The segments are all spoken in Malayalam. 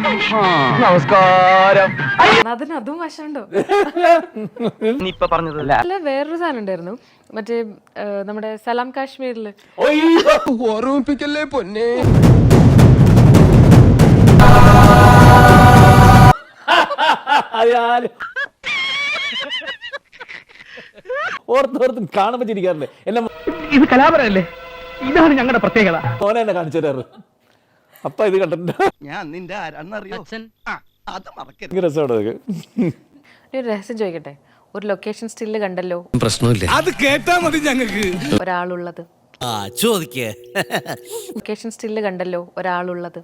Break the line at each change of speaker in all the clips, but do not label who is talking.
നമസ്കാരം.
അതിന് അതും വശമുണ്ടോ?
ഇപ്പൊ പറഞ്ഞത്
അല്ല, വേറൊരു സാധനം ഉണ്ടായിരുന്നു, മറ്റേ നമ്മുടെ സലാം കാശ്മീരില്.
ഓർമ്മിപ്പിക്കല്ലേ പൊന്നെ.
ഓർത്തോർത്തും കാണുമ്പോ ചിരിക്കാറുണ്ട്. എന്നെ
ഇത് കലാപരല്ലേ? ഇതാണ് ഞങ്ങളുടെ പ്രത്യേകത.
മോനെ എന്നെ കാണിച്ചു തരാറ്. അപ്പ ഇത് കണ്ടിട്ടുണ്ട്.
ഞാൻ നിന്റെ ആരാന്നറിയോ? അത് മറക്കരുത്.
ഭയങ്കര രസമാണ് അതൊക്കെ.
ഒരു രഹസ്യം ചോദിക്കട്ടെ, ഒരു ലൊക്കേഷൻ സ്റ്റില്ല് കണ്ടല്ലോ,
പ്രശ്നമില്ല,
അത് കേട്ടാ മതി ഞങ്ങൾക്ക്.
ഒരാളുള്ളത്.
ചോദിക്കേ.
ലൊക്കേഷൻ സ്റ്റില്ല് കണ്ടല്ലോ, ഒരാളുള്ളത്.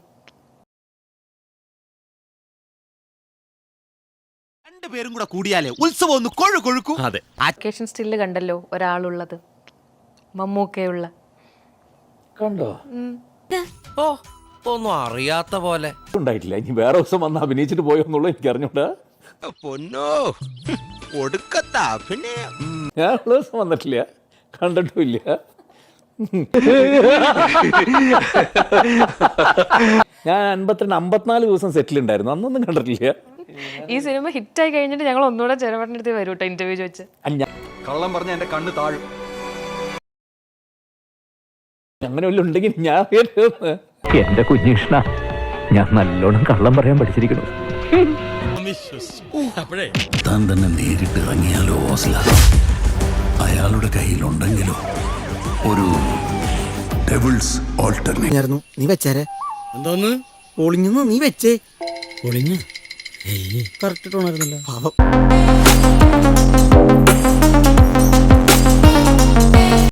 രണ്ടുപേരും കൂടെ കൂടിയാലേ ഉത്സവം ഒന്ന് കൊഴുക്കൊഴുക്കും. അതെ,
ലൊക്കേഷൻ സ്റ്റില്ല് കണ്ടല്ലോ, ഒരാളുള്ളത്. മമ്മൂക്കയുള്ള.
കണ്ടോ?
ഓ, ഒന്നും അറിയാത്ത പോലെ.
ഉണ്ടായിട്ടില്ല. ഇനി വേറെ ദിവസം വന്ന് അഭിനയിച്ചിട്ട് പോയോ എന്നുള്ളത് എനിക്ക് അറിഞ്ഞൂടാ.
പൊന്നോ, ഒടുക്കത്താ. പിന്നെ
ഞാൻ ഉള്ള ദിവസം വന്നിട്ടില്ല, കണ്ടിട്ടുമില്ല. ഞാൻ 54 ദിവസം സെറ്റിൽ ഉണ്ടായിരുന്നു, അന്നൊന്നും കണ്ടിട്ടില്ല.
ഈ സിനിമ ഹിറ്റായി കഴിഞ്ഞിട്ട് ഞങ്ങൾ ഒന്നുകൂടെ ചെറുപടിനടുത്ത് വരും കേട്ടോ, ഇന്റർവ്യൂ ചോദിച്ച്.
കള്ളം പറഞ്ഞ എന്റെ കണ്ണ് താഴും.
അങ്ങനെ വല്ലതും ഉണ്ടെങ്കിൽ ഞാൻ
എന്റെ കുഞ്ഞിഷ്ണ, ഞാൻ നല്ലോണം കള്ളം പറയാൻ പഠിച്ചിരിക്കുന്നു.
താൻ തന്നെ നേരിട്ട് ഇറങ്ങിയാലോ ഓസ്ല, അയാളുടെ കയ്യിലുണ്ടെങ്കിലോ ഒരു ഡെവിൾസ് ഓൾട്ടർനേറ്റ്.
നീ വെച്ചേരെ. എന്തോന്ന് ഒളിഞ്ഞു? നീ വെച്ചേ. ഒളിഞ്ഞു കറക്റ്റ് ടോണായിരുന്നല്ലോ. പാവം.